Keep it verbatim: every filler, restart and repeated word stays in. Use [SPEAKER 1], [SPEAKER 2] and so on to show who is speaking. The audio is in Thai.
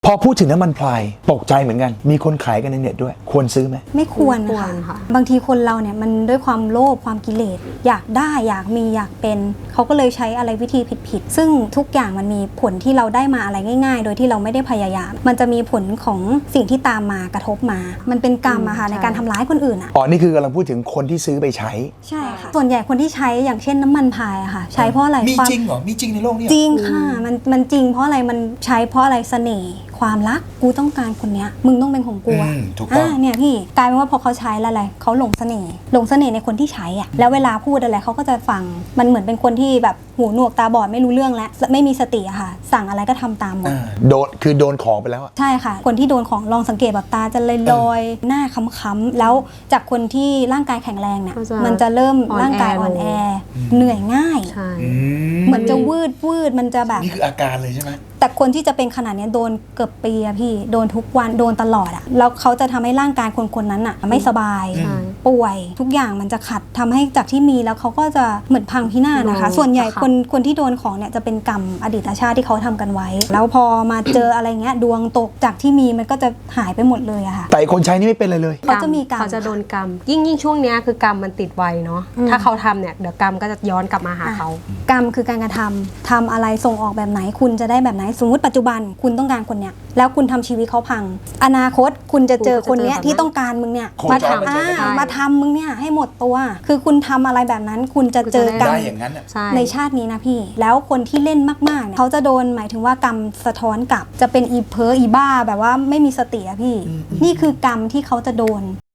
[SPEAKER 1] พอพูดถึงน้ำมันพลายตกใจเหมือนกันมีคนขายกันในเน็ตด้วยควรซื้อไหม
[SPEAKER 2] ไม่ควร
[SPEAKER 3] ไม่ควร
[SPEAKER 2] ค่ะ
[SPEAKER 3] ค่ะ
[SPEAKER 2] บางทีคนเราเนี่ยมันด้วยความโลภความกิเลสอยากได้อยากมีอยากเป็นเขาก็เลยใช้อะไรวิธีผิดๆซึ่งทุกอย่างมันมีผลที่เราได้มาอะไรง่ายๆ โดยที่เราไม่ได้พยายามมันจะมีผลของสิ่งที่ตามมากระทบมา มันเป็นกรรมอะค่ะในการทำร้ายคนอื่นอะ
[SPEAKER 1] อ๋อนี่คือกำลังพูดถึงคนที่ซื้อไปใช้
[SPEAKER 2] ใช่ค่ะส่วนใหญ่คนที่ใช้อย่างเช่นน้ำมันพายอะค่ะใช้เพราะอะไร
[SPEAKER 4] มี
[SPEAKER 2] ความ
[SPEAKER 4] จริงเหรอมีจริงในโลกนี้
[SPEAKER 2] จริงค่ะมันมันจริงเพราะอะไรมันใช้เพราะอะไรเสน่ห์ความรักกูต้องการคนเนี้ยมึงต้องเป็นของกูอะ
[SPEAKER 4] ถูกต้อง
[SPEAKER 2] อ่าเนี่ยพี่กลายเป็นว่าพอเขาใช้แล้วอะไรเขาหลงเสน่ห์หลงเสน่ห์ในคนที่ใช้อ่ะแล้วเวลาพูดอะไรเขาก็จะฟังมันเหมือนเป็นคนที่แบบหูหนวกตาบอดไม่รู้เรื่องแล้วไม่มีสติอะค่ะสั่งอะไรก็ทำตามหมด
[SPEAKER 1] โดนคือโดนของไปแล้วอะ
[SPEAKER 2] ใช่ค่ะคนที่โดนของลองสังเกตแบบตาจะลอยๆหน้าค้ำๆแล้วจากคนที่ร่างกายแข็งแรงเนี่ย
[SPEAKER 3] ก็จะ
[SPEAKER 2] มันจะเริ่ม
[SPEAKER 3] อ่อนแอ
[SPEAKER 2] ร่างกายอ่อนแอ
[SPEAKER 4] อืม
[SPEAKER 2] เหนื่อยง่าย
[SPEAKER 3] ใช่
[SPEAKER 4] อืม
[SPEAKER 2] เหมือนจะวืดวืดมันจะแบบ
[SPEAKER 4] นี่คืออาการเลยใช่ไหม
[SPEAKER 2] แต่คนที่จะเป็นขนาดเนี้ยโดนเกือบปีอะพี่โดนทุกวันโดนตลอดอะแล้วเขาจะทำให้ร่างกายคนคนนั้นอะไม่สบาย
[SPEAKER 3] ใช่
[SPEAKER 2] ป่วยทุกอย่างมันจะขัดทำให้จากที่มีแล้วเขาก็จะเหมือนพังพินาศนะคะ
[SPEAKER 3] โดน
[SPEAKER 2] ส่วนใหญ่
[SPEAKER 3] ค่ะ
[SPEAKER 2] คนคนที่โดนของเนี่ยจะเป็นกรรมอดีตชาติที่เขาทำกันไว้ แล้วพอมาเจออะไรเงี้ยดวงตกจากที่มีมันก็จะหายไปหมดเลยอะค่ะ
[SPEAKER 1] แต่คนใช้นี่ไม่เป็นเลยเลย
[SPEAKER 2] เขาจะมีกรรม
[SPEAKER 3] เขาจะโดนกรรมยิ่งยิ่งช่วงเนี้ยคือกรรมมันติดไวเนาะ
[SPEAKER 2] อืม
[SPEAKER 3] ถ้าเขาทำเนี่ยเดี๋ยวกรรมก็จะย้อนกลับมาหาเขา
[SPEAKER 2] กรรมคือการกระทำทำอะไรส่งออกแบบไหนคุณจะได้แบบไหนสมมติปัจจุบันคุณต้องการคนเนี้ยแล้วคุณทำชีวิตเขาพัง อนาคตคุณจะเจอคนเนี้ย
[SPEAKER 3] คุณก็จะเจอแบบนั้น
[SPEAKER 2] ที่ต้องการมึงเนี่ย
[SPEAKER 4] โคจร
[SPEAKER 2] มา
[SPEAKER 4] มาเจอกัน
[SPEAKER 2] ทำอ่า
[SPEAKER 3] ได้
[SPEAKER 2] มาทำมึงเนี่ยให้หมดตัว คือคุณทำอะไรแบบนั้น คุณจะเจอกรร
[SPEAKER 4] ได้
[SPEAKER 2] ม
[SPEAKER 4] อย่างนั้นอ่ะ
[SPEAKER 3] ใช่
[SPEAKER 2] ในชาตินี้นะพี่ แล้วคนที่เล่นมากๆเนี่ยเขาจะโดนหมายถึงว่ากรรมสะท้อนกลับจะเป็นอีเพ้ออีบ้าแบบว่าไม่มีสติอะพี่ นี่คือกรรมที่เขาจะโดน